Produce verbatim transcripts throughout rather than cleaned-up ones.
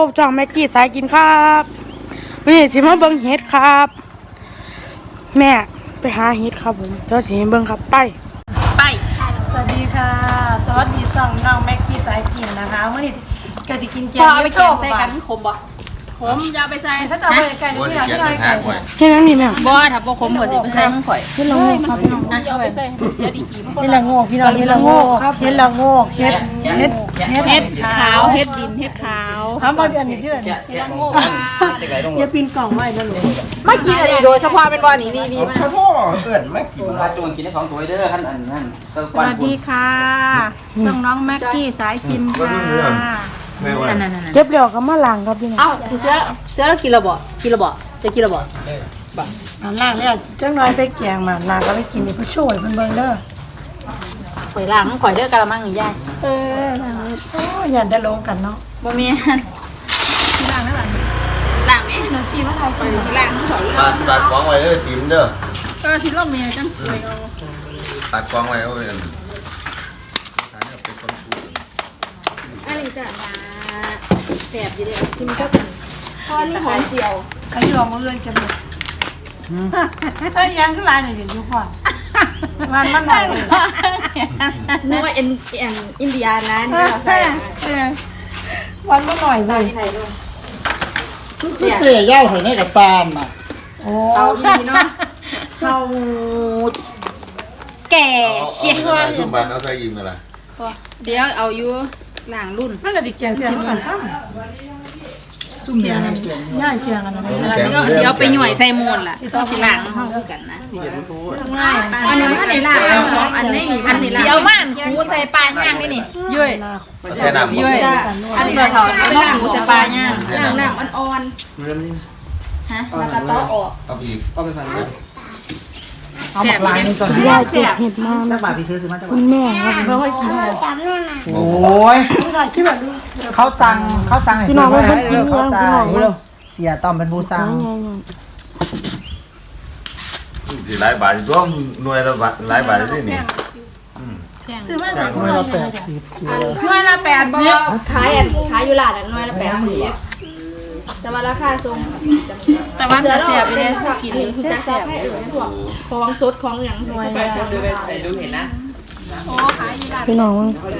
บช่องแม็กกี้สายกินครับวันนี้สิมาเบิ่งเห็ดครับแม่ไปหาเห็ดครับผมเดี๋ยวสิเบิ่งครับไปไปสวัสดีค่ะสวัสดีช่องน้องแม็กกี้สายกินนะคะวันนี้ก็จะกินแกงเห็ดโชว์ใส่กันขมบ่ขมอย่าไปใส่ถ้าจะเอาไปไก่ที่ไหนที่ไหนไก่แค่นั้นนี่แม่บ่ถ้าบ่ขมก็สิไปใส่มันข่อยเฮ็ดละโงกครับพี่น้องเอาไปใส่เสียดีกี่เห็ดละโงกพี่น้องเห็ดละโงกครับเห็ดละโงกเห็ดเห็ดเห็ดเฮ็ดขาวเฮ็ดดินเฮ็ดขาวทำมาเดือนนี้ที่ไหนเห็ดละโงกอย่าปีนกล่องไว้นะลูกไม่กินอันนี้โดยเฉพาะเป็นว่านี่นี่นี่ข้าวโพดเกิดไม่กินปลาจงกินได้สองตัวเด้อขั้นอันนั้นสวัสดีค่ะน้องน้องแม็กกี้สายกินค่ะเก็บเดี๋ยวก็มาล้างครับพี่น้องเอ้าพี่เสือเสือแล้วกินระบ่กินระบ่จะกินระบ่อันล่างเนี่ยจังน้อยไปแกงมาล่างก็ไปกินนี่ผู้ช่วยเพิ่นเบิ่งเด้อข่อยล้างมันข่อยเด้อกะละมังนี่ยายเออล้างโอ้อย่าได้ลงกันเนาะบ่แม่นล้างแล้วล่ะล้างแม่น้องกินมาทายข่อยสิล้างมันข่อยตัดตัดกองไว้เด้อตีนเด้อก็สิลงแม่จังเอาตัดกองไว้เอาไว้อันนี้จ้ะแซ่บอยู่เด้อกินกับพอนี่หอมเจียวใครยอมมาเอื้อนกันหมดใส่ยังขึ้นลายหน่อยเดี๋ยวอยู่ก่อนมันมันหน่อยนึกว่าเอ็นเอ็นอินเดียนะนี่เราใส่วันมันหน่อยเลยคือเจี๋ยย่าหอยในกับตาลน่ะโอ้เอาดีเนาะเอาแก่เชี่ยซุ่มบ้านเอาใส่ยิ้มอะไรเดี๋ยวเอาอยู่หลังรุ่นมันก็ดิแกงเสียมันกันครับซุ่มแกงย่างแกงกันนะเราสิเอาไปหน่วยใส่มูลล่ะสิล้างห้องกันนะง่ายอันนี้อันนี้ล้างอันนี้นี่อันนี้ล้างสิเอาม่านคูใส่ปลาย่างนี่นี่ยุ้ยใส่น้ำยุ้ยอันนี้เราจะไปล้างคูใส่ปลาย่างล้างน้ำอ่อนๆฮะแล้วก็ต้อออกเอาอีกเอาไปใส่เอาหมักลายนี่ก่อนยายเก็บเห็ดมาแล้วบาทพี่ซื้อซื้อมาจากคุณแม่ครับเพราะว่ากินโอ้ยเขาสั่งเขาสั่งให้ซื้อมาให้เขาจ่ายเสียต้อมเป็นผู้สั่งสิหลายบาทตัวหน่วยละบาทหลายบาทได้นี่ซื้อมาจากหน่วยละแปดสิบหน่วยละแปดสิบขายอันขายอยู่ร้านนั้นหน่วยละแปดสิบแต่ว่าราคาทรงแต่ว่าจะเสียไปเลยกินจะเสียให้อื่นพวกของสดของอย่างสวยดูเห็นนะโอ้ขายอยู่ร้านพี่น้อง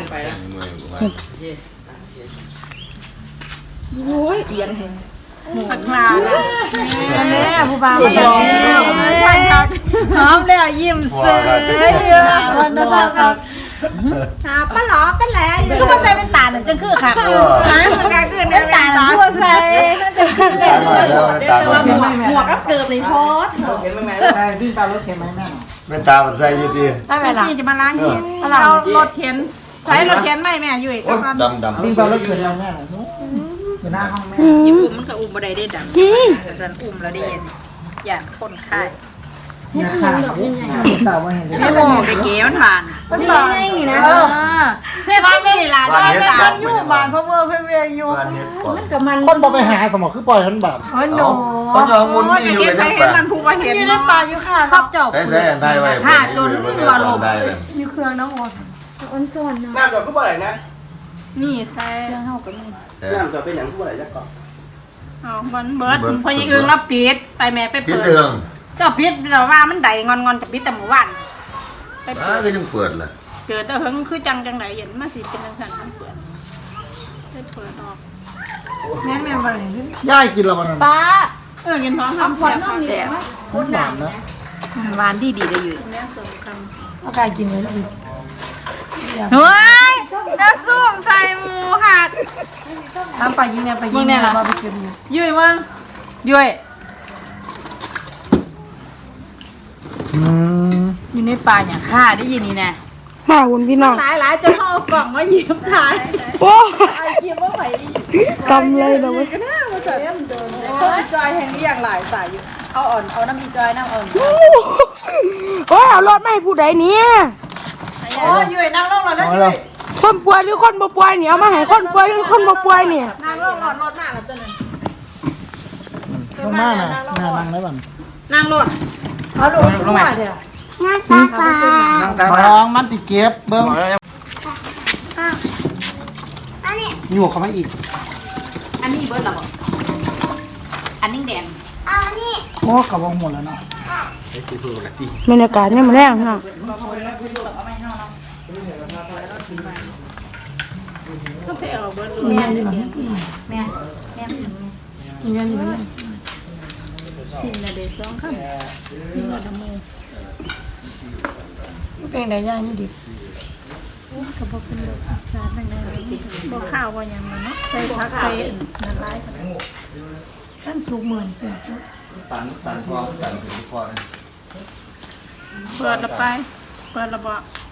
โอ้ยเตียนเห็นผักปลาแม่ผู้บ่าวใช่ครับหอมแล้วยิ้มเสยวันนะครับหาป้าหลอป้าแหล่ก็มาใส่เป็นตาหนึ่งจังคือค่ะฮะมันก็คือเป็นตาทั่วใส่น่าจะเป็นเล่นเลยแต่ว่าหมวกหมวกก็เกิดในโพสเห็นไหมแม่พี่ปลารถเข็นไหมแม่เป็นตามันใส่ยี่ดีถ้าแม่ล่ะจะมาล้างนี่เรารถเข็นใช้รถเข็นไหมแม่อยู่อีกสักดำดำพี่ปลารถเข็นแล้วแม่อยู่หน้าห้องแม่ยิ่งอุ้มมันก็อุ้มมาได้ได้ดำแต่อุ้มแล้วได้เย็นอย่างคนไข้เนี่ยค่ะสาวว่าเห็นไม่โง่ไปเก๋มันผ่านนี่ไงนี่นะเพื่อนไม่มีร้านบ้านบ้านอยู่บ้านพ่อเมื่อเพื่อนเวียอยู่มันกับมันคนบอกไปหาสมองคือปล่อยมันแบบโอ้โหเขาจะมุนนี่อยู่ในป่ามันพูดว่าเห็นอยู่ในป่าอยู่ค่ะครอบเจ้าใส่ใส่อันไทยไว้ค่ะจนวัวลมอยู่เครื่องน้ำอ่อนอ่อนส่วนนะน้ำจอดก็บ่ไหลนะนี่ใช่เครื่องเท่ากับนี่น้ำจอดเป็นอย่างก็บ่ไหลจักก่อนเอาบนเบิร์ดพอยังอึ้งรับปิดไปแม่ไปเปิดเจ้าปิดเราว่ามันใดงอนงอนจะปิดแต่หมู่บ้านไปเปิดก็ยังเปิดเลยเกิดแต่เพิ่งคือจังจังไหนเห็นมาสิเป็นจังสันมันเปิดได้เปิดออกแม่แม่ไปย่ายกินแล้วมันป้าเออกินท้องทำพอดน้องเนี่ยพูดหวานนะหวานดีดีได้อยู่แม่สมคำเอาไก่กินเลยอีกเฮ้ยจะซุ่มใส่หมูหักทำไปยิงเนี่ยไปยิงเนี่ยเราไปเก็บยุ้ยมั้งยุ้ยอยู่ในป่าอย่างข้าได้ยินนี่นะมาคุณพี่น้องหลายหลายจนห่อกล่องมาหยิบถ่ายโอ้ไอ้หยิบว่าไปกำเลยนะเว้ยจอยแห่งนี้อย่างหลายสายอยู่เอาอ่อนเอาน้ำมีจอยน้ำอ่อนโอ้ยเอารถไม่ผู้ใดเนี่ยโอ้ยอยู่นั่งลงรถแล้วอยู่คนป่วยหรือคนบ่ป่วยเนี่ยเอามาให้คนป่วยหรือคนบ่ป่วยเนี่ยนั่งลงรถรถหน้าแล้วตัวนึงลงมาน่ะนั่งได้บ้างนั่งรถเอาลงลงมาเดี๋ยวนั่งตาตาท้องมันสิเก็บเบิ้งอยู่เขามาอีกอันนี้เบิร์ดหรอบอกอันนี้แดงโอ้กับวงหมดแล้วเนาะบรรยากาศเนี่ยมันแรงเนาะแม่นี่หรอแม่แม่อีแม่นี่มันกินในเดซองข้าวเป็นไดย่างนี่ดิกับพวกเป็นแบบชาตั้งแต่พวกข้าวว่าอย่างนั้นเนาะใส่ผักใส่น้ำลายขั้นสุกเหมือนเสียตันตันพอตันถึงพอเปิดละไปเปิดละบ่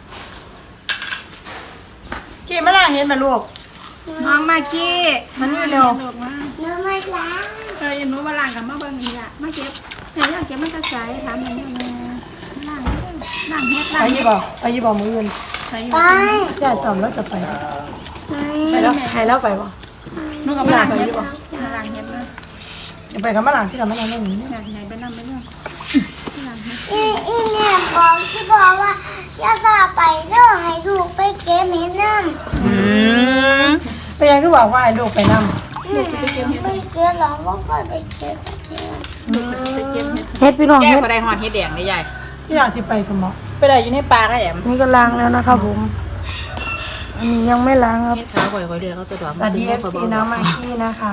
กี้มาล่ะเห็นไหมลูกน้องมากี้มันนี่เร็วลูกมาเนื้อไม่ล้างเออหนูมาล้างกับมาเบิ่งนี่ล่ะมาเก็บเห็นยังเก็บมันกระใสถามอย่างนี้ล้างล้างเฮ็ดไปล้างยี่บอกไปยี่บอกมืออื่นใส่อยู่ย่าตอมแล้วจะไปไปแล้วใครแล้วไปบ่หนูกับมาล้างเฮ็ดบ่มาล้างเฮ็ดเลยจะไปกับมะหลังที่เราไม่ทำเรื่องนี้อยากไหนไปนำไปเรื่องอีอีเนี่ยบอกที่บอกว่าอย่าสาไปเด้อให้ลูกไปเก็บเห็ดน้ำไปยังก็บอกว่าไอ้ลูกไปนำอืมไปเก็บหรอว่าก่อนไปเก็บเฮ็ดพี่น้องแก้เฮ็ดบ่ได้หอดเฮ็ดแดงได้ใหญ่ที่อยากจะไปสมองไปได้อยู่ในป่าได้แอมนี่ก็ล้างแล้วนะครับผมอันนี้ยังไม่ล้างครับเฮ็ดขาวข่อยๆเดือเขาตัวดอกสวัสดีเอฟซีน้องมากกี้นะคะ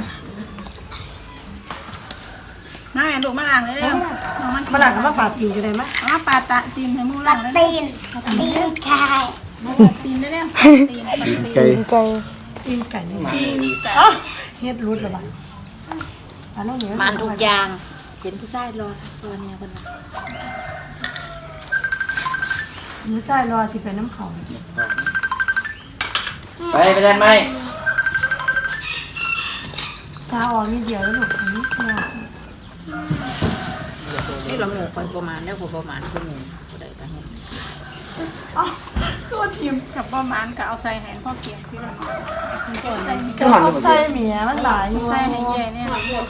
น้าแม่ลูกมาล้างเลยเด้อน้องมันมะหลังกับมะปาดตีกันเลยไหมเอามาปาดตะตีนให้มูล้างเลยตีนตีนไก่ตีนได้แล้วตีนไก่ไก่ตีนไก่นี่อ๋อเฮ็ดรูดหรือเปล่าอันนั้นเหนียวมันทุกอย่างเห็นผู้ชายรอรอเนี่ยคนน่ะมือใส่รอสิเป็นน้ำเขาไปไปได้ไหมตาออกนี่เดียวแล้วลูกอันนี้เนี่ยนี่เราหมูคนประมาณเนี่ยผมประมาณคือหมูก็ได้แต่เห็นอ๋อตัวทีมกับประมาณก็เอาใส่แหงพ่อเกียงที่เราใส่กระเพาะไส้เมียมันหลายอยู่ใส่ให้ใหญ่เนี่ยพ่อเกียง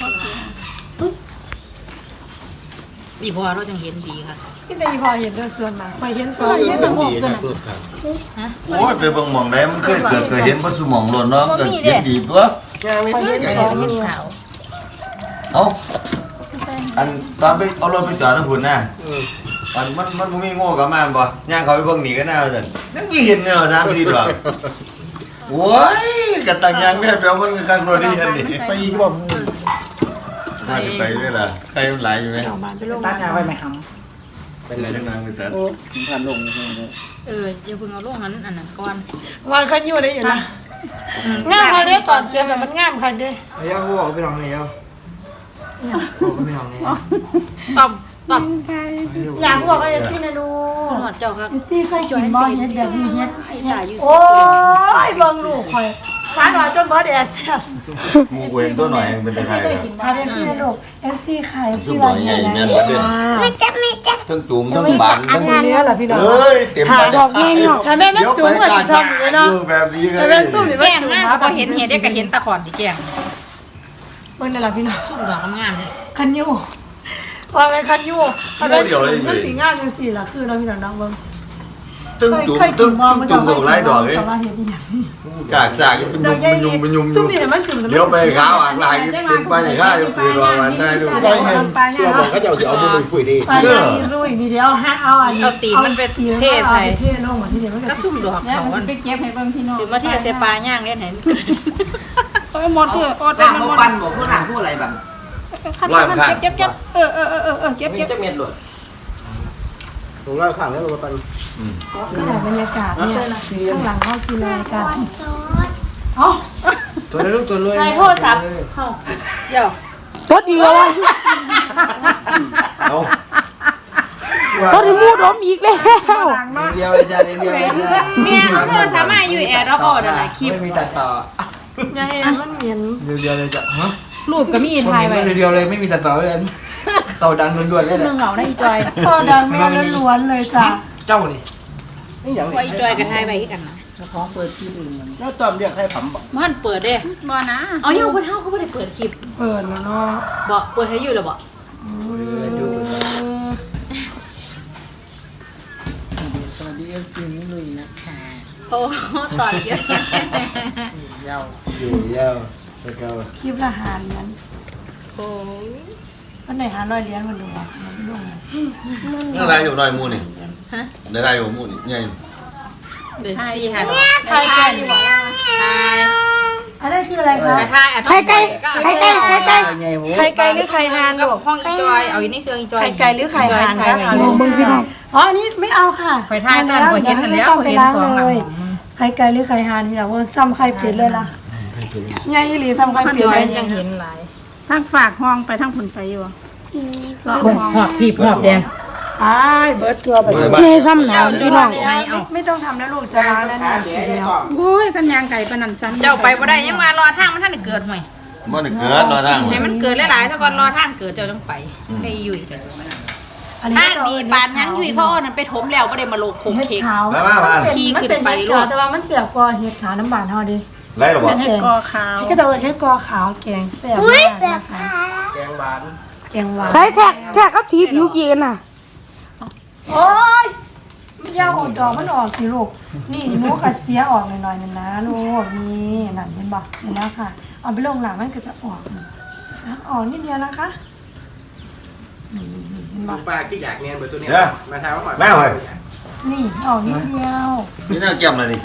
ดีพอเราจังเห็นดีค่ะพี่แต่อีพอเห็นเรื่องส่วนมากไปเห็นส่วนเห็นดีนะเกิดครับโอ้ยไปเบิ่งหม่องใดมันเคยเกิดเคยเห็นบ่สมองหล่นเนาะก็เห็นดีตัวไปเห็นเห็สองนขาวเอ้าอันตอนไปเอารถไปจอดทางพุ่นน่ะมันมันมันบ่มีโง่กับมาบ่ย่างเขาไปเบิ่งหนีกันหน้าซั่นยังมีเห็นเนี่ยสามสี่ดอกโอ้ยกะตังยังแม่เปียวมันคักโรดีอันนี้ไปอีกบ่มึงน่าจะไปด้วยล่ะใครมันหลายอยู่ไหมออกมาไปลงตั้งยาไว้ไหมครับไปเลยทั้งนั้นไปแต่โอ้ผมผ่านลงเลยเอออย่าเพิ่งเอาลูกนั้นอันนั้นก่อนวันขันอยู่ได้อยู่นะงามค่ะเนี่ยตอนเก็บแบบมันงามค่ะเด้ไอ้ย่ากูบอกไปลองเลยย่าบอกไปลองเลยต้มต้มอยากบอกว่าเอซี่นะดูหอดเจ้าครับเอซี่เคยกินบ่เฮ็ดแบบนี้เฮ็ดไอ้สายอยู่โอ้ยเบิ่งลูกข่อยฟ้าหน่อยจนเบิดแอสแซ่บหมูกูเห็นตัวหน่อยเป็นตะไคร้พาเอซี่นะลูกเอซี่ไข่เอซุซี่ปหอะน่ไรอยใหญ่เนี่ยแม่นบ่เด้อไม่จะไม่จะทั้งจุ่มทั้งบานทั้งเนี้ยเหรอพี่น้องเอ้ยเต็มถามบอกแม่เนาะถ้าแม่ไม่จุ๋มก็สิซ้ำอยู่เนาะแบบนี้ถ้าแม่จุ๋มนี่แกมันงจุ๋มมากมาพอเห็นเห็ดได้ก็เห็นตะขอนสิแกงเบิ่งได้ล่ะพี่น้องชุ่มดอกงามเลยคันยูว่าเป็นคันยูถ้าเป็นจุ๋มมันสีงามจังซี่ล่ะคือเราพี่น้องน้องเบิ่งตึ้งจุ่มตึ้งจุ่มของหลายดอกเลยแต่ว่าเฮ็ดอีหยังนี่กากสากเป็นยุมเป็นยุมเป็นยุมจุ่มนี่มันจุ่มเดี๋ยวไปขาวอ่างลายเป็นไปอย่างข้าอยู่ปีรอวันได้ดูได้เห็นปลาย่างบอกเขาจะเอาสิเอาบุญคุยดีปลาย่างนี่ลุยนี่เดี๋ยวฮะเอาอันนี้เทใส่เทลงมาที่เดี๋ยวมันก็ก็ชุ่มดอกเขาไปเก็บให้เบิ่งพี่น้องซื้อมาเทใส่ปลาย่างเล่นเห็นโอ้ยหมดเพื่อโอ้จ้างหมมาดปั้นบอกพวกหลังพวกอะไรแบบขั้นขั้นเก็บเก็บเก็บเออเออเออเออเก็บมีเก็บจักเม็ดหลดผมเล่าข่าวแล้วมาปั้นก็ได้บรรยากาศเนี่ยข้างหลังเขากินอะไรกันอ๋อตัวลูกตัวรวยใส่โทรศัพท์เดี๋ยวรถดีกว่าเอารถที่มูดอมอีกแล้วเดียวเลยจ้าเดียวเลยจ้าเมียโทรศัพท์มาอยู่แอร์รับออดอะไรคลิปไม่มีตัดต่ออย่าเห็นมันเหม็นเดียวเดียวเลยจ้ะฮะรูปก็มีถ่ายไว้เดียวเลยไม่มีตัดต่อเลยต่อดังล้วนๆเลซุ่ยมเหงาได้อีจอยพอดังแม่ล้วนเลยจ้ะเจ้านี่นี่อย่างว่าอีจอยกับถ่ายไว้ที่กันนะของเปิดที่อื่นมันแล้วตอมเรียกให้ผมบอกมันเปิดเด้บ่นะเอาอยู่คนเฮาเขาบ่ได้เปิดคลิปเปิดแล้วเนาะบ่เปิดให้อยู่แล้วบ่สวัสดีเอฟซีนี่ลุยนะคะโอ้สอนเยอะเย้าอยู่เย้าคลิปละหาเหรียญวันไหนหาร้อยเหรียญมันดูอ่ะมันดูอ่ะนี่อะไรอยู่หน่อยมูนี่ได้ไรอยู่มูนี่ไงเดี๋ยวสี่หันไข่ไก่อยู่อันนั้นคืออะไรคะไข่ไก่ไข่ไก่ไข่ไก่ไข่ไก่หรือไข่ห่านลูกห้องอีจอยเอาอีนี่เครื่องอีจอยไข่ไก่หรือไข่ห่านคะลองเบิ่งพี่น้องอ๋ออันนี้ไม่เอาค่ะไข่ทายตอนหัวเห็นทันแล้วต้องไปเห็นล้างสองเลยไข่ไก่หรือไข่ห่านที่เราซ้ำไข่เป็ดเลยล่ะยายอีหลีซ้ำไข่เป็ดจอเลย ยยังเห็นหลายทางฝากห้องไปทางผุนไปอยู่หอบผีบหอบแดงอ้ายเบิร์ดตัวไปเลยนี่ซ้ำหนาวพี่น้องไม่ไม่ต้องทำแล้วลูกจะล้างแล้วนะสีแล้วโอ้ยกันยางไก่ปนันซ้ำเจ้าไปบ่ได้ยังมารอทางมันท่านเกิดห่วยมันเกิดรอทางให้มันเกิดหลายๆถ้าก่อนรอทางเกิดเจ้าต้องไปให้ยุ่ยอันนี้ทางดีปานยังยุ่ยเขาเอานั่นไปถมแล้วบ่ได้มาโลกโคงเห็ดเค้กขาวมามามาขี้ขึ้นมันไปเป็นลูเห็ดกขาวแต่ว่ามันเสียบกว่าเห็ดขาวน้ำบานเฮาดิไรหรอวะเห็ดกอขาวก็จะเป็นเห็ดกอขาวแกงแซ่บอุ้ยมากแบนะบคะขาแกงหวานใช้แท็กแท็กกับสีผิวกี่กันน่ะโอ้ยไม่ยากออกดอกมันออกสิลูกนี่หนูกัดเสียออกหน่อยๆนึงนะลูกนี่นั่นเห็นบ่เห็นแล้วค่ะเอาไปลงหลังมันก็จะออกนะออกนิดเดียวนะคะนี่เห็นบ่ปลาที่อยากเนียนเบอร์ตัวนี้เนี่ยมาทำก่อนแม่เว้ยนี่ออกนิดเดียวนี่น่าเกี่ยมเลยดิ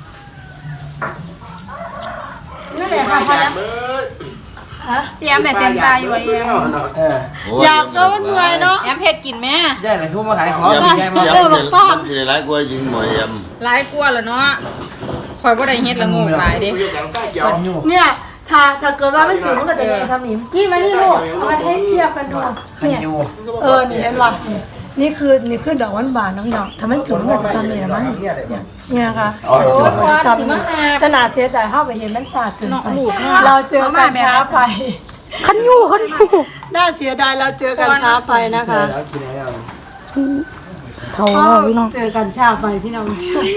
นั่นแหละค่ะพอแล้ว ฮะแย้มแต่เต็มตาอยู่ไอ้แย้มเอออยากก็มันเหนื่อยเนาะแย้มเผ็ดกินแม่ได้เลยทุกมาขายของยำมีแค่ยำมายำมันจะร้ายกว่ายิงหมอยยหลายกลัวแล้วเนาะคอยบ่ได้เฮ็ดละโงกหลายเด้อยู่อย่างใกล้เกี่ยวปันอยู่เนี่ยถ้าถ้าเกิดว่ามันจุดมันก็จะเป็นสนิมกี้มานี่ลูกเอามาให้เทียบกันดูปันเนี่ยอยู่เออนี่เห็นป่ะนี่คือนี่คือดอกหวานบานน้องดอกถ้ามันจุดมันก็จะสนิมมั้งเนี่ยค่ะโอ้โหจับนี่ขนาดเสียแต่เข้าไปเห็นมันสาดเกินไปเราเจอกันช้าไปคันยูคันยูน่าเสียดายเราเจอกันช้าไปนะคะแล้วกินอะไรแล้วเขาเอาพี่น้องเจอกันช้าไปพี่น้อง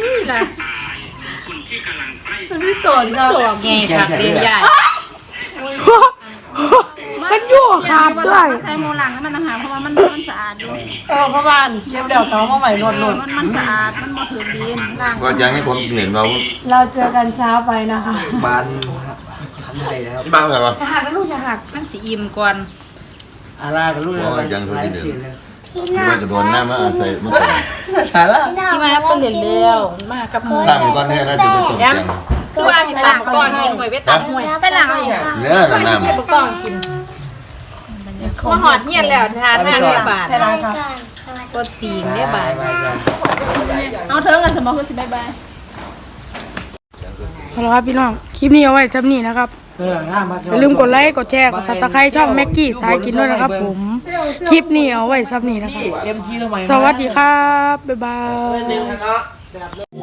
พี่ตนค่ะตัวไงครับเรียนใหญ่คันยูขาดด้วยใช้โมลังแล้วมันต่างหากเพราะว่ามันมันสะอาดอยู่เออพ่อบ้านเย็บเดี่ยวเขามาใหม่หลดหลดมันมันสะอาดมันบ่ถือดินล้างำก็อยากให้ผมเห็นว่าเราเจอกันช้าไปนะคะบานทำอะไรแล้วบ้างเหรอวะอย่าหักนะลูกอย่าหักมันสิอิ่มก่อนอารากับลูกอะไรไลฟ์ซีนเลยมันจะโดนหน้ามาใส่มันถ่ายแล้วที่มาเป็นเหรียญเดียวมากับหมูตั้งก้อนนี้นะจะเป็นตกแต่งคือว่าสิตามก่อนกินหวยไปตามหวยไปหลังเอาอีกเนื้อหนาๆเก็บก่อนกินว่าหอดเงียนแล้วทานทานได้บาทใช่ไหมคะก็ตีนได้บาทบายจ้าเอาเถิงกันสมองคือสิบายบายเอาละครับพี่น้องคลิปนี้เอาไว้จำนี้นะครับเออง่ามมากอย่าลืมกดไลค์กดแชร์กดซับสไครต์ช่องแม็กกี้สายกินด้วยนะครับผมคลิปนี้เอาไว้ซ้ำนี้นะครับเอ็มจีทำไมสวัสดีครับบ๊ายบายเนาะ